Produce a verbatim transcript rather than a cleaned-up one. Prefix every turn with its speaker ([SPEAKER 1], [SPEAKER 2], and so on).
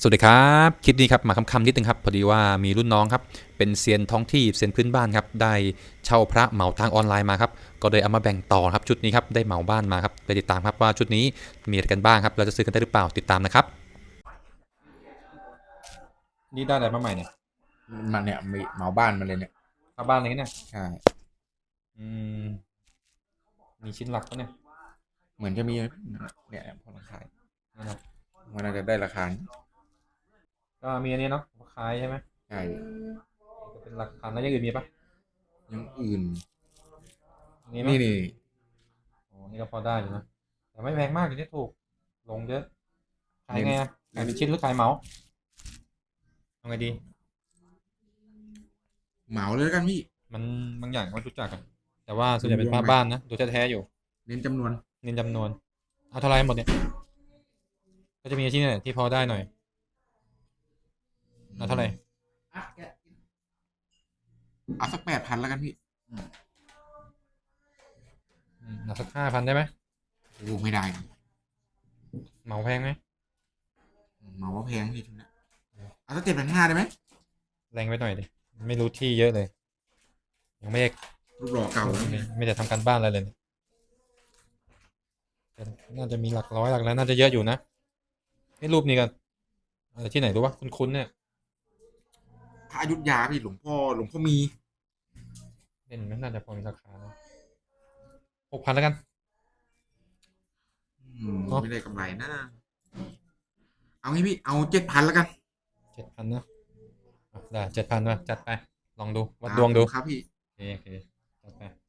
[SPEAKER 1] สวัสดีครับคลิปนี้ครับมาคำๆนิดนึงครับพอดีว่ามีรุ่นน้องครับเป็นเซียนท้องที่เซียนพื้นบ้านครับได้เช่าพระเหมาทางออนไลน์มาครับก็เลยเอามาแบ่งต่อครับชุดนี้ครับได้เหมาบ้านมาครับไปติดตามครับว่าชุดนี้มีอะไรกันบ้างครับเราจะซื้อกันได้หรือเปล่าติดตามนะครับนี่ได้อะไรมาใหม่เนี่ย
[SPEAKER 2] มันเนี่ยมีเหมาบ้านมาเลยเนี่ย
[SPEAKER 1] เอาบ้านอะไรเนี่ย
[SPEAKER 2] ใช่
[SPEAKER 1] อืมมีชิ้นหลักปะเนี่ย
[SPEAKER 2] เหมือนจะมีเนี่ยพอราคา
[SPEAKER 1] นั่นนะ
[SPEAKER 2] มันน่าจะได้ราคา
[SPEAKER 1] ก็มีอันนี้เนาะคล้ายใช่ไหม
[SPEAKER 2] ใช่
[SPEAKER 1] ก็เป็นหลักพันแล้วยังอื่นมีปะ
[SPEAKER 2] ยังอื่น
[SPEAKER 1] นี่มั้ย
[SPEAKER 2] นี่นี่
[SPEAKER 1] โอ้นี่ก็พอได้อยู่นะแต่ไม่แพงมากอยู่ที่ถูกลงเยอะขาย
[SPEAKER 2] เน้น
[SPEAKER 1] ไงอะขาย
[SPEAKER 2] เน้น
[SPEAKER 1] เป็นชิ้นหรือขายเหมาเอาไงดี
[SPEAKER 2] เหมาเลยแล้วกันพี่
[SPEAKER 1] มันบางอย่างก็ไม่รู้จักอะแต่ว่าส่วนใหญ่เป็น
[SPEAKER 2] รวมๆไป
[SPEAKER 1] ผ้าบ้านนะดูแท้ๆอยู่
[SPEAKER 2] เน้นจำนวน
[SPEAKER 1] เน้นจำนวนเอาเท่าไรหมดเนี่ยก็จะมีที่เนี่ยที่พอได้หน่อยเอาเท่าไหร่
[SPEAKER 2] เอาสักแปดพันแล้วกันพี่
[SPEAKER 1] อืมเอาสักห้าพันได้ไหม
[SPEAKER 2] โอ้ไม่ได้นะ
[SPEAKER 1] เหมาแพงไหม
[SPEAKER 2] เหมาว่าแพงพี่ชุดนี้เอาสักเจ็ดพันห้าได้ไหม
[SPEAKER 1] แรงไปหน่อยดิไม่รู้ที่เยอะเลยยังไม่ได้
[SPEAKER 2] รูปหล่อเก่าแล้ว
[SPEAKER 1] ไม่
[SPEAKER 2] เนี่ย
[SPEAKER 1] ไม่ได้ทำการบ้านอะไรเลยแต่น่าจะมีหลักร้อยหลักแล้วน่าจะเยอะอยู่นะไอ้รูปนี้กันอะไรที่ไหนรู้ปะคุ้นๆเนี่ย
[SPEAKER 2] พระอยุธยาพี่หลวงพ่อหลวงพ่อมี
[SPEAKER 1] เล่นไหมน่าจะพอมีราคานะหกพันแล้วกัน
[SPEAKER 2] อืม
[SPEAKER 1] เนาะ
[SPEAKER 2] ไม่ได้กำไรนะเอางี้พี่เอาเจ็ดพันแล้วกัน
[SPEAKER 1] เจ็ดพันนะอ่ะได้เจ็ดพันมาจัดไปลองดูวั
[SPEAKER 2] ครับ
[SPEAKER 1] ดดวงดู
[SPEAKER 2] ครับพี่
[SPEAKER 1] โอเคโอเคจัดไป